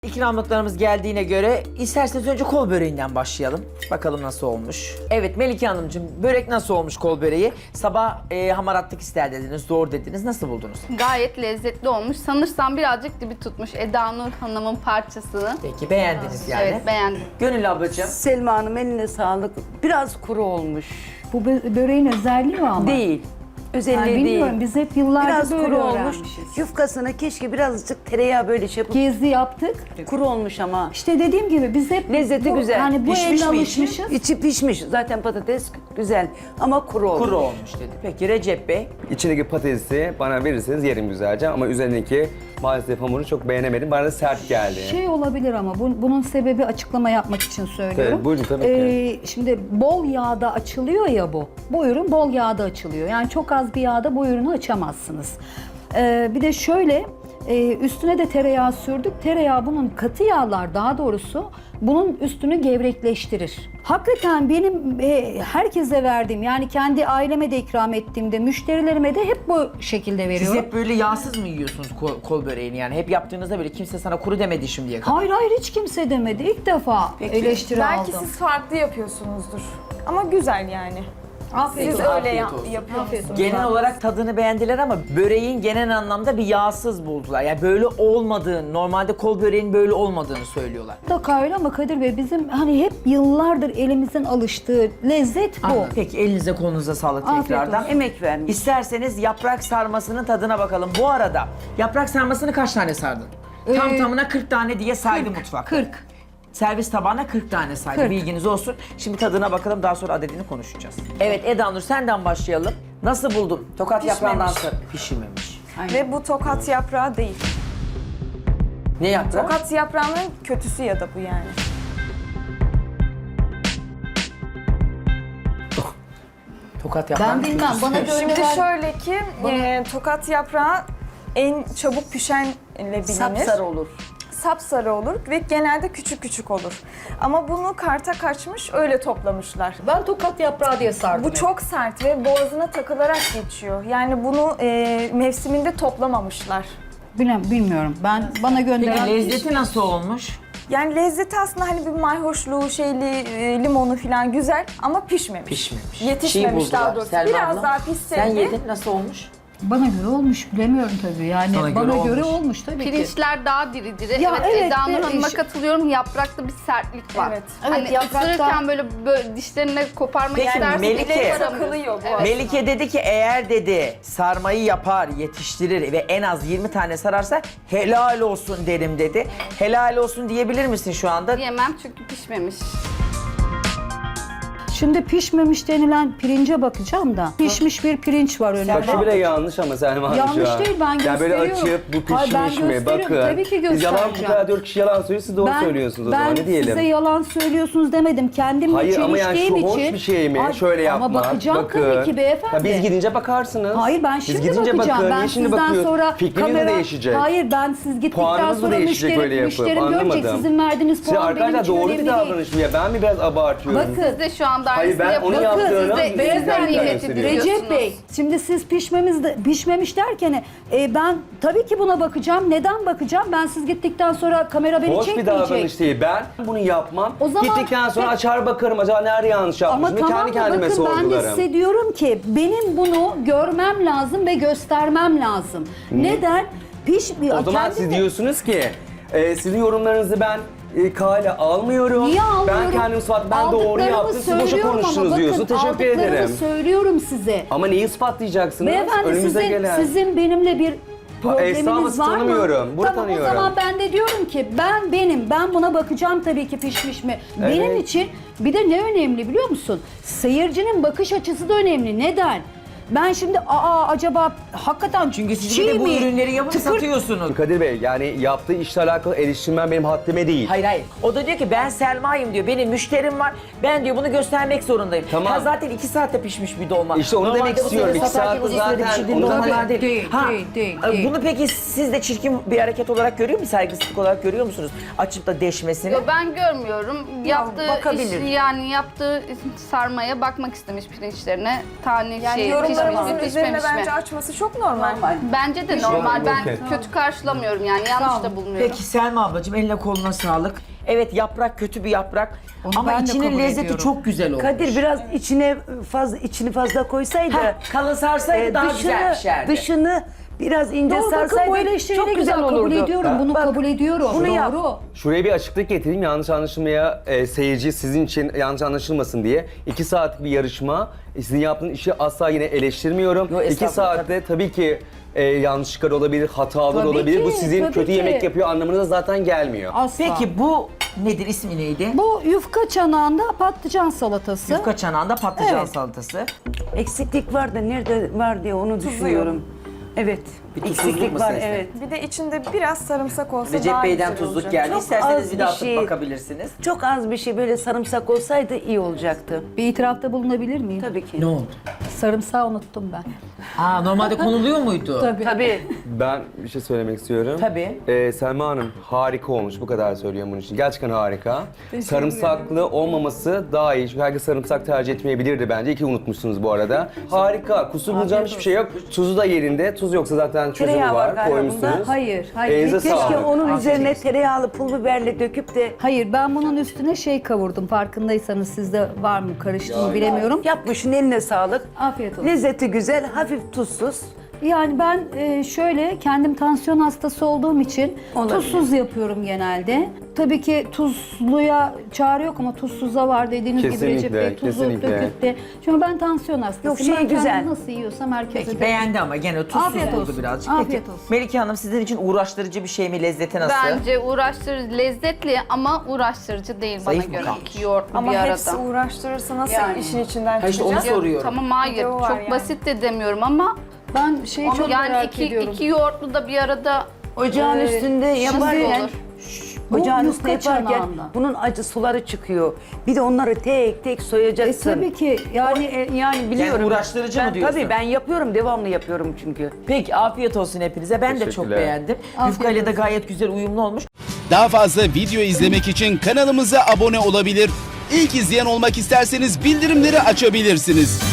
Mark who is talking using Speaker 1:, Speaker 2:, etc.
Speaker 1: İkramlıklarımız geldiğine göre isterseniz önce kol böreğinden başlayalım. Bakalım nasıl olmuş. Evet Melike Hanımcığım, börek nasıl olmuş kol böreği? Sabah hamaratlık ister dediniz, zor dediniz. Nasıl buldunuz?
Speaker 2: Gayet lezzetli olmuş. Sanırsam birazcık dibi tutmuş Eda Nur Hanım'ın parçasını.
Speaker 1: Peki beğendiniz yani.
Speaker 2: Evet, beğendim.
Speaker 1: Gönül ablacığım.
Speaker 3: Selma Hanım eline sağlık. Biraz kuru olmuş.
Speaker 4: Bu böreğin özelliği o ama.
Speaker 3: Değil. Özelliği
Speaker 4: Yani bilmiyorum,
Speaker 3: değil.
Speaker 4: biz hep yıllarca
Speaker 3: Biraz
Speaker 4: böyle
Speaker 3: kuru olmuş.
Speaker 4: öğrenmişiz.
Speaker 3: Yufkasına keşke birazcık tereyağı böyle şey yapıp
Speaker 4: Gezi yaptık.
Speaker 3: kuru olmuş ama.
Speaker 4: İşte dediğim gibi biz hep
Speaker 3: Lezzeti güzel.
Speaker 4: Hani bu
Speaker 1: Pişmiş
Speaker 4: elle
Speaker 1: mi içi?
Speaker 4: alışmışız.
Speaker 3: İçi pişmiş. Zaten patates güzel ama kuru olmuş.
Speaker 1: Kuru olmuş dedi. Peki Recep Bey.
Speaker 5: İçindeki patatesi bana verirseniz yerim güzelce ama üzerindeki maalesef hamuru çok beğenemedim. Bana da sert geldi.
Speaker 4: Şey olabilir ama bunun sebebi açıklama yapmak için söylüyorum.
Speaker 5: Tabii, buyurun, tabii ki.
Speaker 4: Şimdi bol yağda açılıyor ya bu. Bu ürün bol yağda açılıyor. Yani çok az bir yağda bu ürünü açamazsınız. Bir de şöyle üstüne de tereyağı sürdük. Tereyağı bunun katı yağlar daha doğrusu bunun üstünü gevrekleştirir. Hakikaten benim herkese verdiğim yani kendi aileme de ikram ettiğimde müşterilerime de hep bu şekilde
Speaker 1: Siz
Speaker 4: veriyorum.
Speaker 1: hep böyle yağsız mı yiyorsunuz kol böreğini yani? Hep yaptığınızda böyle kimse sana kuru demedi şimdiye kadar.
Speaker 4: Hayır hiç kimse demedi. İlk defa eleştiri
Speaker 6: Belki
Speaker 4: aldım.
Speaker 6: siz farklı yapıyorsunuzdur. Ama güzel yani.
Speaker 4: Afiyet
Speaker 6: Siz
Speaker 4: olsun.
Speaker 6: öyle
Speaker 1: Afiyet olsun.
Speaker 6: yapıyorsunuz.
Speaker 1: Genel olarak tadını beğendiler ama böreğin genel anlamda bir yağsız buldular. Yani böyle olmadığını, normalde kol böreğin böyle olmadığını söylüyorlar.
Speaker 4: Mutlaka öyle ama Kadir Bey bizim hani hep yıllardır elimizin alıştığı lezzet bu.
Speaker 1: Anladım. Peki elinize kolunuza sağlık
Speaker 4: Afiyet
Speaker 1: tekrardan.
Speaker 4: olsun.
Speaker 3: Emek vermiş.
Speaker 1: İsterseniz yaprak sarmasının tadına bakalım. Bu arada yaprak sarmasını kaç tane sardın? Tam tamına 40 tane diye saydı mutfak.
Speaker 4: 40.
Speaker 1: Servis tabağına 40 tane saydı.
Speaker 4: 40.
Speaker 1: Bilginiz olsun. Şimdi tadına bakalım, daha sonra adedini konuşacağız. Evet Eda Nur, senden başlayalım. Nasıl buldun? Tokat yaprağından sonra pişirmemiş.
Speaker 6: Ve bu tokat yaprağı değil.
Speaker 1: Ne yaprağı?
Speaker 6: Tokat yaprağının kötüsü ya da bu yani.
Speaker 1: Tokat yaprağı.
Speaker 4: Ben bilmem bana göre
Speaker 6: Şimdi şöyle ki tokat yaprağı en çabuk pişenle bilinir.
Speaker 3: Sapsarı olur.
Speaker 6: Sapsarı olur ve genelde küçük küçük olur. Ama bunu karta kaçmış öyle toplamışlar.
Speaker 4: ben tokat yaprağı diye sardım.
Speaker 6: Bu çok sert ve boğazına takılarak geçiyor. Yani bunu mevsiminde toplamamışlar.
Speaker 4: Bilmiyorum. Bana
Speaker 1: Peki
Speaker 4: gönderen
Speaker 1: lezzeti nasıl olmuş?
Speaker 6: Yani lezzeti aslında hani bir mayhoşluğu, limonu falan güzel ama pişmemiş.
Speaker 1: Pişmemiş.
Speaker 6: Yetişmemiş
Speaker 1: Çiğ buldular.
Speaker 6: daha doğrusu.
Speaker 1: Selma
Speaker 6: Biraz
Speaker 1: abla,
Speaker 6: daha pişseydi.
Speaker 1: Sen yedin, nasıl olmuş?
Speaker 4: bana göre olmuş bilemiyorum tabii. Yani
Speaker 1: Sana
Speaker 4: bana
Speaker 1: göre
Speaker 4: göre
Speaker 1: olmuş.
Speaker 4: olmuş tabii ki.
Speaker 2: Pirinçler daha diri diri.
Speaker 4: Ya
Speaker 2: evet,
Speaker 4: evet,
Speaker 2: Eda Nur
Speaker 4: evet,
Speaker 2: Hanım'a
Speaker 4: iş-
Speaker 2: katılıyorum. Yaprakta bir sertlik var.
Speaker 6: Evet.
Speaker 4: Evet,
Speaker 2: Hani
Speaker 4: yaprakta-
Speaker 2: ısırırken böyle dişlerine koparmak
Speaker 1: Peki,
Speaker 2: istersin.
Speaker 1: Melike-
Speaker 2: bile
Speaker 6: Takılıyor bu
Speaker 2: Evet.
Speaker 1: Melike dedi ki eğer dedi sarmayı yapar, yetiştirir ve en az 20 tane sararsa helal olsun derim dedi. Helal olsun diyebilir misin şu anda?
Speaker 2: Yemem çünkü pişmemiş.
Speaker 4: Şimdi pişmemiş denilen pirince bakacağım da. Pişmiş bir pirinç var önümde.
Speaker 5: Bak şu bile yanlış ama Selma Hanım
Speaker 4: Yanlış
Speaker 5: şu an.
Speaker 4: değil, ben
Speaker 5: Ya böyle
Speaker 4: gösteriyorum.
Speaker 5: açıp bu
Speaker 4: Hayır, ben
Speaker 5: pişmiş mi
Speaker 4: gösteriyorum.
Speaker 5: bakın.
Speaker 4: Tabii ki
Speaker 5: Biz yalan bu
Speaker 4: göstereceğim.
Speaker 5: kadar 4 kişi yalan söylüyor, siz doğru söylüyorsunuz o zaman ne diyelim.
Speaker 4: Ben size yalan söylüyorsunuz demedim. Kendimle
Speaker 5: Hayır ama yani şu
Speaker 4: çeliştiğim
Speaker 5: hoş
Speaker 4: için.
Speaker 5: bir şey mi?
Speaker 4: Ay,
Speaker 5: Şöyle yapmak.
Speaker 4: Ama bakacağım
Speaker 5: bakın.
Speaker 4: tabii ki beyefendi.
Speaker 5: Ya biz gidince bakarsınız.
Speaker 4: Hayır ben
Speaker 5: Biz
Speaker 4: şimdi
Speaker 5: gidince
Speaker 4: bakacağım.
Speaker 5: bakın.
Speaker 4: Ben
Speaker 5: Niye şimdi
Speaker 4: sizden
Speaker 5: bakıyorsun?
Speaker 4: sonra
Speaker 5: Fikriniz de değişecek.
Speaker 4: Hayır ben siz gittikten
Speaker 5: Puanınız da
Speaker 4: sonra
Speaker 5: değişecek öyle yapıp.
Speaker 4: müşterim görecek.
Speaker 5: Anlamadım.
Speaker 4: Sizin verdiğiniz
Speaker 5: Siz
Speaker 4: puan benim
Speaker 5: arkadaşlar
Speaker 4: için
Speaker 5: doğru
Speaker 4: önemli
Speaker 5: bir
Speaker 4: değil.
Speaker 5: davranış mı ya? Ben mi biraz abartıyorum?
Speaker 4: Bakın.
Speaker 2: Siz de şu anda
Speaker 5: Hayır,
Speaker 2: aynısını
Speaker 5: ben onu
Speaker 2: yapıyorsunuz.
Speaker 5: yaptığını
Speaker 2: Siz de
Speaker 5: sizden
Speaker 2: sizden nimet
Speaker 5: gösteriyorum.
Speaker 2: ediyorsunuz.
Speaker 4: Recep Bey, şimdi siz pişmemiş derken ben tabii ki buna bakacağım. Neden bakacağım? Ben siz gittikten sonra kamera beni
Speaker 5: Hoş bir
Speaker 4: çekmeyecek.
Speaker 5: davranış değil. Ben bunu yapmam.
Speaker 4: O zaman-
Speaker 5: Gittikten sonra açar bakarım acaba nerede yanlış yapmışım.
Speaker 4: Ama
Speaker 5: Ve
Speaker 4: tamam
Speaker 5: kendi
Speaker 4: da
Speaker 5: kendime
Speaker 4: bakın ben de
Speaker 5: sorgularım.
Speaker 4: size diyorum ki benim bunu görmem lazım ve göstermem lazım. Neden?
Speaker 5: O zaman siz diyorsunuz ki sizin yorumlarınızı ben kale almıyorum.
Speaker 4: Niye almıyorum?
Speaker 5: Ben kendim ispat, ben doğru
Speaker 4: Aldıklarımı
Speaker 5: yaptım, siz boşa
Speaker 4: söylüyorum ama
Speaker 5: konuştunuz
Speaker 4: bakın,
Speaker 5: diyorsun. Teşekkür
Speaker 4: aldıklarımı
Speaker 5: ederim.
Speaker 4: söylüyorum size.
Speaker 5: Ama neyi ispatlayacaksınız?
Speaker 4: Beyefendi
Speaker 5: Önümüze gelen.
Speaker 4: sizin benimle bir probleminiz
Speaker 5: estağfurullah,
Speaker 4: var mı?
Speaker 5: tanımıyorum. Bunu
Speaker 4: Tamam
Speaker 5: tanıyorum.
Speaker 4: o zaman ben de diyorum ki ben buna bakacağım tabii ki pişmiş mi? Benim
Speaker 5: Evet.
Speaker 4: için bir de ne önemli biliyor musun? Seyircinin bakış açısı da önemli. Neden? Ben şimdi acaba hakikaten
Speaker 1: Çünkü siz
Speaker 4: çiğ
Speaker 1: bir de bu
Speaker 4: mi?
Speaker 1: ürünleri yapıp
Speaker 4: Tıkır-
Speaker 1: satıyorsunuz.
Speaker 5: Kadir Bey yani yaptığı işle alakalı eleştirmen benim haddime değil.
Speaker 1: Hayır. O da diyor ki ben Selma'yım diyor. Benim müşterim var. Ben diyor bunu göstermek zorundayım.
Speaker 5: Tamam.
Speaker 1: Ha, zaten 2 saatte pişmiş bir dolma.
Speaker 5: İşte onu demek
Speaker 1: bu
Speaker 5: istiyorum.
Speaker 1: sene
Speaker 5: 2
Speaker 1: satarken
Speaker 5: saatte
Speaker 1: uzun sürede
Speaker 5: zaten
Speaker 1: pişirdiğin
Speaker 5: onu
Speaker 1: dolmalar
Speaker 4: Değil,
Speaker 1: değil.
Speaker 4: değil.
Speaker 1: Bunu peki siz de çirkin bir hareket olarak görüyor musunuz? Saygısızlık olarak görüyor musunuz? Açıp da deşmesini.
Speaker 2: Yo, ben görmüyorum. Yaptığı
Speaker 1: bakabilir.
Speaker 2: yaptığı sarmaya bakmak istemiş pirinçlerine. Tane
Speaker 6: Yani
Speaker 2: şey
Speaker 6: yorumları Sofralarımızın
Speaker 2: Pişmemiş
Speaker 6: üzerine
Speaker 2: mi?
Speaker 6: bence açması çok normal.
Speaker 2: Bence de normal. Ben
Speaker 5: okey.
Speaker 2: kötü karşılamıyorum yani. Yanlış da bulmuyorum.
Speaker 1: Peki Selma ablacığım eline koluna sağlık. Evet yaprak kötü bir yaprak
Speaker 4: Onu
Speaker 1: ama
Speaker 4: ben de
Speaker 1: içinin
Speaker 4: kabul
Speaker 1: lezzeti
Speaker 4: ediyorum.
Speaker 1: çok güzel olmuş.
Speaker 3: Kadir biraz içini fazla koysaydı.
Speaker 1: Heh, kalın sarsaydı daha güzel pişerdi.
Speaker 3: Dışını biraz ince
Speaker 4: Doğru, bakın bu
Speaker 3: sarsaydı
Speaker 4: eleştiriyi
Speaker 3: çok
Speaker 4: ne
Speaker 3: güzel
Speaker 4: güzel
Speaker 3: olurdu.
Speaker 4: kabul ediyorum. Bunu
Speaker 3: Bak,
Speaker 4: kabul ediyorum.
Speaker 3: bunu yap.
Speaker 4: Doğru.
Speaker 5: Şuraya bir açıklık getireyim. Yanlış anlaşılmaya seyirci sizin için yanlış anlaşılmasın diye. 2 saatlik bir yarışma. Sizin yaptığınız işi asla yine eleştirmiyorum.
Speaker 1: Yo,
Speaker 5: 2
Speaker 1: estağfurullah.
Speaker 5: saatte tabii ki yanlışlıklar olabilir, hatalar
Speaker 4: Tabii
Speaker 5: olabilir.
Speaker 4: ki,
Speaker 5: Bu sizin
Speaker 4: tabii
Speaker 5: kötü
Speaker 4: ki.
Speaker 5: yemek yapıyor anlamına zaten gelmiyor.
Speaker 4: Asla.
Speaker 1: Peki bu nedir, ismi neydi?
Speaker 4: Bu yufka çanağında patlıcan salatası.
Speaker 1: Yufka çanağında patlıcan
Speaker 4: Evet.
Speaker 1: salatası.
Speaker 3: Eksiklik var da nerede var diye onu düşünüyorum. Evet.
Speaker 1: Bir tuzsuzluk mu
Speaker 3: Eksiklik var
Speaker 1: sezdi?
Speaker 3: evet.
Speaker 6: Bir de içinde biraz sarımsak olsa
Speaker 1: Recep
Speaker 6: daha
Speaker 1: Bey'den
Speaker 6: güzel
Speaker 1: tuzluk
Speaker 6: olacak.
Speaker 1: geldi.
Speaker 3: Çok
Speaker 1: İsterseniz
Speaker 3: az
Speaker 1: bir de
Speaker 3: bir
Speaker 1: atıp
Speaker 3: şey.
Speaker 1: bakabilirsiniz.
Speaker 3: Çok az bir şey böyle sarımsak olsaydı iyi olacaktı.
Speaker 4: Bir itirafta bulunabilir miyim?
Speaker 3: Tabii ki.
Speaker 1: Ne oldu?
Speaker 4: Sarımsağı unuttum ben.
Speaker 1: Aa, normalde konuluyor muydu?
Speaker 4: Tabii.
Speaker 3: Tabii.
Speaker 5: Ben bir şey söylemek istiyorum.
Speaker 1: Tabii.
Speaker 5: Selma Hanım harika olmuş. Bu kadar söylüyorum bunun için. Gerçekten harika. Sarımsaklı olmaması daha iyi. Çünkü herkes sarımsak tercih etmeyebilirdi bence. İyi ki unutmuşsunuz bu arada. Harika. Kusur bulacağım hiçbir şey yok. Tuzu da yerinde. Tuz yoksa zaten çözümü
Speaker 3: Tereyağı var
Speaker 5: var.
Speaker 3: galiba
Speaker 5: Koymuşsunuz.
Speaker 3: bunda.
Speaker 4: Hayır, hayır.
Speaker 5: Elinize
Speaker 4: Keşke
Speaker 5: sağlık.
Speaker 3: Keşke onun
Speaker 1: Afiyet
Speaker 3: üzerine
Speaker 1: olsun.
Speaker 3: tereyağlı pul biberle döküp de
Speaker 4: Hayır, ben bunun üstüne şey kavurdum. Farkındaysanız sizde var mı, karıştı mı bilemiyorum.
Speaker 3: yapmışın eline sağlık.
Speaker 4: Afiyet olsun.
Speaker 3: Lezzeti güzel, hafif tuzsuz.
Speaker 4: Yani ben şöyle kendim tansiyon hastası olduğum için
Speaker 3: Olabilir.
Speaker 4: tuzsuz yapıyorum genelde. Tabii ki tuzluya çare yok ama tuzsuza var dediğiniz gibi
Speaker 5: Kesinlikle,
Speaker 4: Recep Bey tuzu
Speaker 5: kesinlikle.
Speaker 4: döküp de. Çünkü ben tansiyon hastasıyım.
Speaker 3: Yok, şey
Speaker 4: Ben kendim
Speaker 3: güzel.
Speaker 4: nasıl yiyorsam herkese
Speaker 1: Peki
Speaker 4: de-
Speaker 1: beğendi ama gene tuzsuz
Speaker 4: Afiyet
Speaker 1: oldu
Speaker 4: olsun.
Speaker 1: birazcık.
Speaker 4: Afiyet
Speaker 1: Peki
Speaker 4: olsun.
Speaker 1: Melike Hanım sizin için uğraştırıcı bir şey mi? Lezzeti nasıl?
Speaker 2: Bence uğraştırıcı, lezzetli ama uğraştırıcı değil
Speaker 1: Zayıf mı
Speaker 2: bana göre.
Speaker 1: kalmış?
Speaker 2: Yoğurtlu
Speaker 6: Ama
Speaker 2: bir
Speaker 6: hepsi
Speaker 2: arada.
Speaker 6: uğraştırırsa nasıl
Speaker 3: Yani.
Speaker 6: işin içinden
Speaker 1: Ha işte onu
Speaker 6: çıkacağız?
Speaker 1: soruyorum.
Speaker 2: Tamam hayır.
Speaker 6: Bir de o var
Speaker 2: Çok
Speaker 6: yani.
Speaker 2: basit de demiyorum ama
Speaker 4: Ben şeyi çok
Speaker 2: yani
Speaker 4: merak ediyorum.
Speaker 2: iki yoğurtlu da bir arada
Speaker 3: Ocağın üstünde yaparken,
Speaker 2: olur.
Speaker 4: Bu
Speaker 3: ocağın
Speaker 4: yufka
Speaker 3: üstünde yaparken
Speaker 4: çanağında.
Speaker 3: bunun acı suları çıkıyor. Bir de onları tek tek soyacaksın.
Speaker 4: Tabii ki yani
Speaker 3: Yani biliyorum.
Speaker 1: uğraştırıcı mı
Speaker 3: Ben-
Speaker 1: diyorsun?
Speaker 3: Tabii ben yapıyorum, devamlı yapıyorum çünkü.
Speaker 1: Peki afiyet olsun hepinize. Ben de çok
Speaker 5: Teşekkürler.
Speaker 1: beğendim. Yufkayla da gayet güzel uyumlu olmuş.
Speaker 7: Daha fazla video izlemek için kanalımıza abone olabilir. İlk izleyen olmak isterseniz bildirimleri açabilirsiniz.